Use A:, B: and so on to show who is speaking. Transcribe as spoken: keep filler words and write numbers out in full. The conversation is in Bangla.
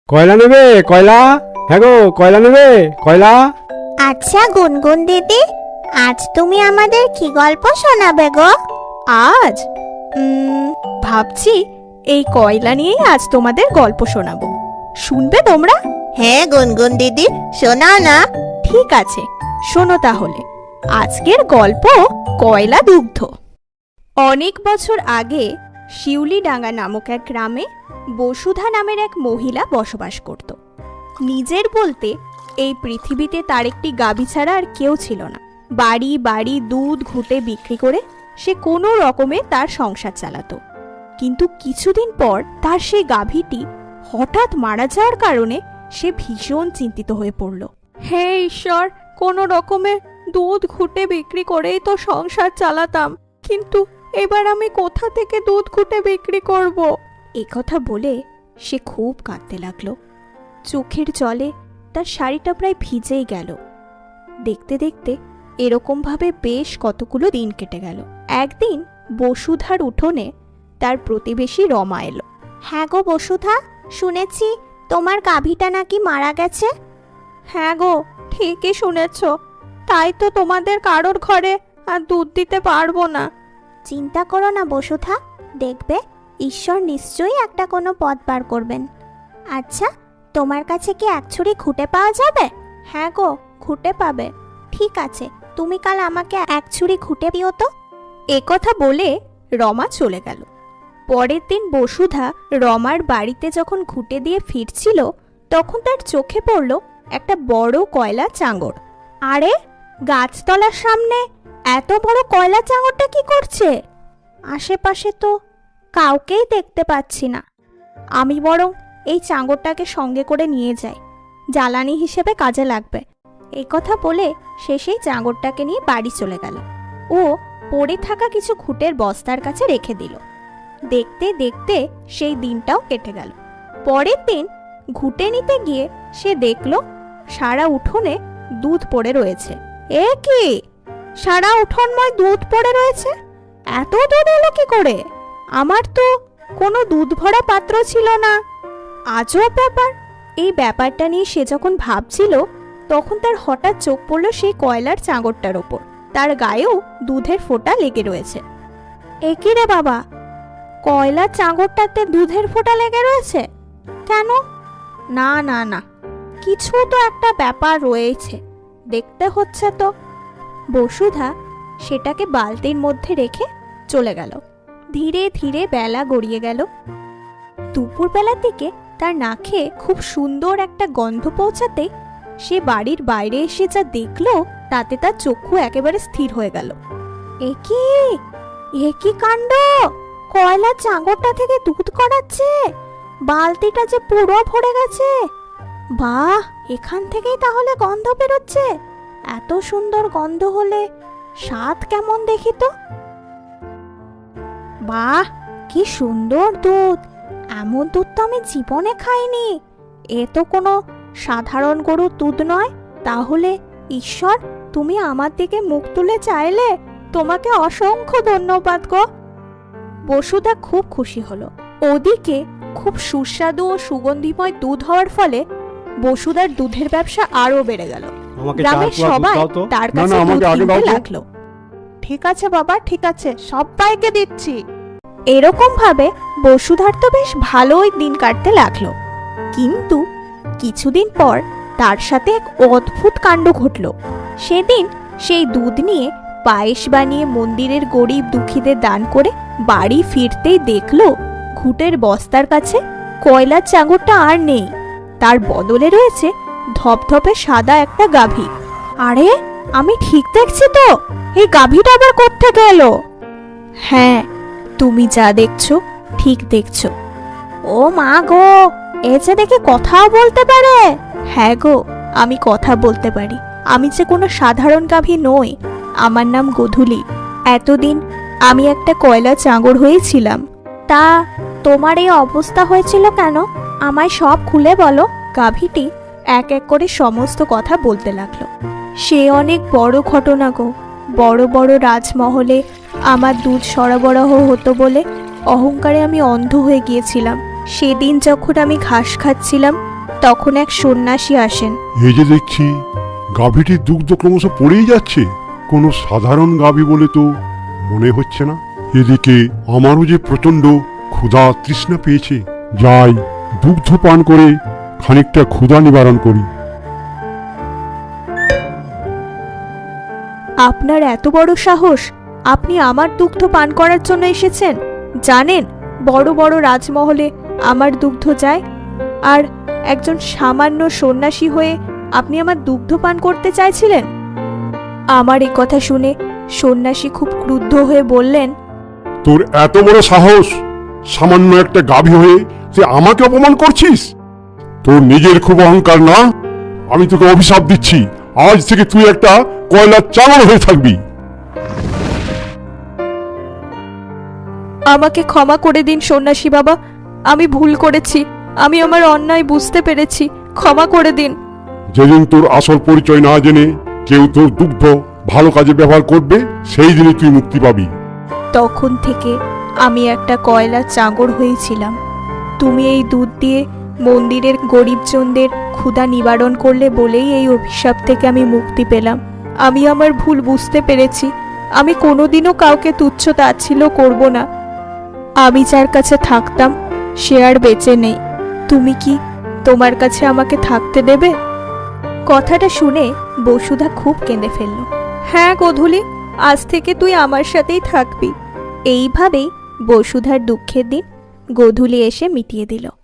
A: কয়লা নেবে? কয়লা? হ্যাঁ গো, কয়লা নেবে? কয়লা?
B: আচ্ছা গুনগুন দিদি, আজ তুমি আমাদের কি গল্প শোনাবে গো?
C: আজ উম, ভাবছি এই কয়লা নিয়েই আজ তোমাদের গল্প শোনাবো। শুনবে তোমরা?
B: হ্যাঁ গুনগুন দিদি, শোনাও না।
C: ঠিক আছে, শোনো তাহলে। আজকের গল্প কয়লা দুগ্ধ। অনেক বছর আগে শিউলিডাঙ্গা নামক এক গ্রামে বসুধা নামের এক মহিলা বসবাস করত। নিজের বলতে এই পৃথিবীতে তার একটি গাভী ছাড়া আর কেউ ছিল না। বাড়ি বাড়ি দুধ ঘুটে বিক্রি করে সে কোনো রকমে তার সংসার চালাতো। কিন্তু কিছুদিন পর তার সেই গাভীটি হঠাৎ মারা যাওয়ার কারণে সে ভীষণ চিন্তিত হয়ে পড়ল। হে ঈশ্বর, কোনো রকমে দুধ ঘুটে বিক্রি করেই তো সংসার চালাতাম, কিন্তু এবার আমি কোথা থেকে দুধ ঘুটে বিক্রি করব? একথা বলে সে খুব কাঁদতে লাগলো। চোখের জলে তার শাড়িটা প্রায় ভিজেই গেল। দেখতে দেখতে এরকমভাবে বেশ কতগুলো দিন কেটে গেল। একদিন বসুধার উঠোনে তার প্রতিবেশী রমা এলো।
B: হ্যাঁ গো বসুধা, শুনেছি তোমার গাভীটা নাকি মারা গেছে।
C: হ্যাঁ গো, ঠিকই শুনেছ। তাই তো তোমাদের কারোর ঘরে আর দুধ দিতে পারবো না।
B: চিন্তা করো না বসুধা, দেখবে ঈশ্বর নিশ্চয়ই একটা কোনো পথ বার করবেন। আচ্ছা, তোমার কাছে কি এক ছুরি খুঁটে পাওয়া যাবে? হ্যাঁ গো, খুঁটে পাবে। ঠিক আছে, তুমি কাল আমাকে এক ছুরি খুঁটে দিও তো।
C: একথা বলে রমা চলে গেল। পরের দিন বসুধা রমার বাড়িতে যখন খুঁটে দিয়ে ফিরছিল, তখন তার চোখে পড়ল একটা বড় কয়লা চাঙড়। আরে, গাছতলার সামনে এত বড় কয়লা চাঙড়টা কি করছে? আশেপাশে তো কাউকেই দেখতে পাচ্ছি না। আমি বরং এই চাঙড়টাকে সঙ্গে করে নিয়ে যাই, জ্বালানি হিসেবে কাজে লাগবে। এই কথা বলে সে সেই চাঙড়টাকে নিয়ে বাড়ি চলে গেল ও পড়ে থাকা কিছু খুঁটের বস্তার কাছে রেখে দিল। দেখতে দেখতে সেই দিনটাও কেটে গেল। পরের দিন ঘুঁটে নিতে গিয়ে সে দেখল সারা উঠোনে দুধ পড়ে রয়েছে। এ কি, সারা উঠোনময় দুধ পড়ে রয়েছে? এত দুধ এলো কি করে? আমার তো কোনো দুধ ভরা পাত্র ছিল না। আজব ব্যাপার। এই ব্যাপারটা নিয়ে সে যখন ভাবছিল, তখন তার হঠাৎ চোখ পড়ল সেই কয়লার চাঙড়টার ওপর। তার গায়েও দুধের ফোঁটা লেগে রয়েছে। এ কি রে বাবা, কয়লার চাঙড়টাতে দুধের ফোঁটা লেগে রয়েছে কেন? না না না, কিছু তো একটা ব্যাপার রয়েছে, দেখতে হচ্ছে তো। বসুধা সেটাকে বালতির মধ্যে রেখে চলে গেল। ধীরে ধীরে বেলা গড়িয়ে গেল। দুপুরবেলার দিকে তার নাকে খুব সুন্দর একটা গন্ধ পৌঁছাতে সে বাড়ির বাইরে এসে যা দেখলো, তাতে তার চক্ষু একেবারে স্থির হয়ে গেল। এ কি, এ কি কাণ্ড! কয়লার চাঙড়টা থেকে দুধ করাচ্ছে, বালতিটা যে পুরো ভরে গেছে। বাহ, এখান থেকেই তাহলে গন্ধ বেরোচ্ছে। এত সুন্দর গন্ধ হলে স্বাদ কেমন দেখি তো। বাহ, কি সুন্দর দুধ! এমন দুধ তো আমি জীবনে খাইনি। এ তো কোনো সাধারণ গরুর দুধ নয়। তাহলে ঈশ্বর, তুমি আমার দিকে মুখ তুলে চাইলে তোমাকে অসংখ্য ধন্যবাদ গো। বসুধা খুব খুশি হলো। ওদিকে খুব সুস্বাদু ও সুগন্ধিময় দুধ হওয়ার ফলে বসুধার দুধের ব্যবসা আরো বেড়ে গেল। গ্রামের সবাই তার কাছে দুধ কিনতে লাগলো। ঠিক আছে বাবা, ঠিক আছে, সবাইকে দিচ্ছি। এরকম ভাবে বসুধার তো বেশ ভালোই দিন কাটতে লাগলো। কিন্তু কিছুদিন পর তার সাথে এক অদ্ভুত কাণ্ড ঘটল। সেদিন সেই দুধ নিয়ে পায়েস বানিয়ে মন্দিরের গরিব দুঃখীদের দান করে বাড়ি ফিরতেই দেখলো ঘুঁটের বস্তার কাছে কয়লার চাঙড়টা আর নেই। তার বদলে রয়েছে ধপধপে সাদা একটা গাভী। আরে, আমি ঠিক দেখছি তো? এই গাভীটা আবার কোত্থেকে এলো? হ্যাঁ, তুমি যা দেখছো ঠিক দেখছো। ও মা গো, এ যে দেখে কথাও বলতে পারে। হ্যাঁ গো, আমি কথা বলতে পারি। আমি যে কোনো সাধারণ গাভী নই, আমার নাম গোধূলি। এতদিন আমি একটা কয়লা চাঙড় হয়েছিলাম। তা তোমার এই অবস্থা হয়েছিল কেন? আমায় সব খুলে বলো। গাভীটি এক এক করে সমস্ত কথা বলতে লাগলো। সে অনেক বড় ঘটনা গো। বড় বড় রাজমহলে আমার দুধ সরবরাহ হতো বলে অহংকারে আমি অন্ধ হয়ে গিয়েছিলাম। সেদিন যখন আমি ঘাস খাচ্ছিলাম, তখন এক সন্ন্যাসী আসেন।
D: এই যে দেখছি গাভীটির দুগ্ধ ক্রমশ পড়েই যাচ্ছে, কোনো সাধারণ গাভী বলে তো মনে হচ্ছে না। এদিকে আমারও যে প্রচন্ড ক্ষুধা তৃষ্ণা পেয়েছে, যাই দুগ্ধ পান করে খানিকটা ক্ষুধা নিবারণ করি।
C: আপনার এত বড় সাহস, আপনি আমার দুগ্ধ পান করার জন্য এসেছেন? জানেন বড় বড় রাজমহলে আমার দুগ্ধ যায়, আর একজন সামান্য সন্ন্যাসী হয়ে আপনি আমার দুগ্ধ পান করতে চাইছিলেন? আমার এই কথা শুনে সন্ন্যাসী খুব ক্রুদ্ধ হয়ে বললেন,
D: তোর এত বড় সাহস, সামান্য একটা গাভী হয়ে তুই আমাকে অপমান করছিস? তোর নিজের খুব অহংকার না? আমি তোকে অভিশাপ দিচ্ছি, আজ থেকে তুই একটা কয়লার চাঙড় হয়ে থাকবি।
C: আমাকে ক্ষমা করে দিন সন্ন্যাসী বাবা, আমি ভুল করেছি, আমি আমার অন্যায় বুঝতে পেরেছি, ক্ষমা করে দিন।
D: যেদিন তোর আসল পরিচয় না জেনে কেউ তোর দুগ্ধ ভালো কাজে ব্যবহার করবে, সেই দিনে তুই মুক্তি পাবি।
C: তখন থেকে আমি একটা কয়লা চাঙড় হয়েছিলাম। তুমি এই দুধ দিয়ে মন্দিরের গরিবজনদের ক্ষুধা নিবারণ করলে বলেই এই অভিশাপ থেকে আমি মুক্তি পেলাম। আমি আমার ভুল বুঝতে পেরেছি, আমি কোনোদিনও কাউকে তুচ্ছ তাচ্ছিল্য করব না। আমি যার কাছে থাকতাম সে আর বেঁচে নেই, তুমি কি তোমার কাছে আমাকে থাকতে দেবে? কথাটা শুনে বসুধা খুব কেঁদে ফেলল। হ্যাঁ গোধূলি, আজ থেকে তুই আমার সাথেই থাকবি। এইভাবেই বসুধার দুঃখের দিন গোধূলি এসে মিটিয়ে দিল।